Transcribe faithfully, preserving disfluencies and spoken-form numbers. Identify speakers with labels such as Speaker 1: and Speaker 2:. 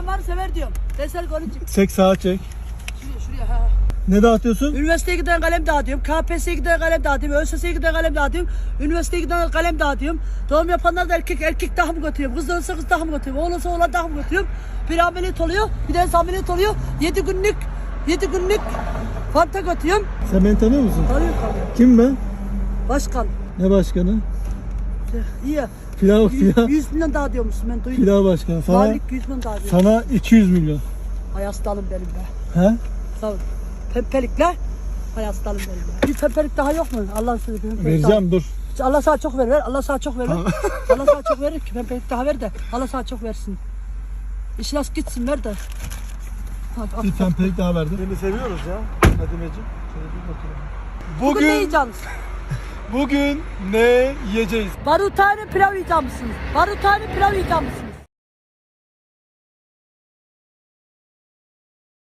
Speaker 1: Sen var sever diyorum. Deser golü çık.
Speaker 2: Çek sağa çek.
Speaker 1: Şuraya şuraya ha.
Speaker 2: Ne dağıtıyorsun?
Speaker 1: Üniversiteye giden kalem dağıtıyorum. K P S S'ye giden kalem dağıtıyorum. ÖSS'ye giden kalem dağıtıyorum. Üniversiteye giden kalem dağıtıyorum. Doğum yapanlar da erkek erkek daha mı götürüyorum? Kız da olsa kız daha mı götürüyorum? Oğlan olsa oğlan daha mı götürüyorum? Bir ameliyat oluyor. Bir de ameliyat oluyor. Yedi günlük yedi günlük fanta götürüyorum.
Speaker 2: Sen beni tanıyor musun?
Speaker 1: Tanıyorum tanıyorum.
Speaker 2: Kim ben?
Speaker 1: Başkan.
Speaker 2: Ne başkanı?
Speaker 1: İyi.
Speaker 2: Pilav pilav.
Speaker 1: yüz milyon dağıtıyormuşsun ben duydum.
Speaker 2: Pilav başkanı. Sana,
Speaker 1: Valilik yüz milyon dağıtıyor.
Speaker 2: sana iki yüz milyon.
Speaker 1: Hay hastalım benim be.
Speaker 2: He?
Speaker 1: Sağ ol. Pempelikle. Hay hastalım benim be. Bir pempelik daha yok mu? Allah'ın sözü pempelik
Speaker 2: Vereceğim dur.
Speaker 1: daha. Allah sana çok ver ver. Allah sana çok ver ver. Allah sana çok verir ki pempelik daha ver de. Allah sana çok versin. İşlas gitsin ver de. Hadi,
Speaker 2: Bir
Speaker 1: al.
Speaker 2: tempelik daha verdim. Seni seviyoruz ya. Fadimeciğim. Şöyle bir bakalım.
Speaker 1: Bugün ne
Speaker 2: Bugün,
Speaker 1: yiyeceksiniz?
Speaker 2: bugün ne yiyeceğiz?
Speaker 1: Barutane pilav yiyeceksiniz. Barutane pilav yiyeceksiniz.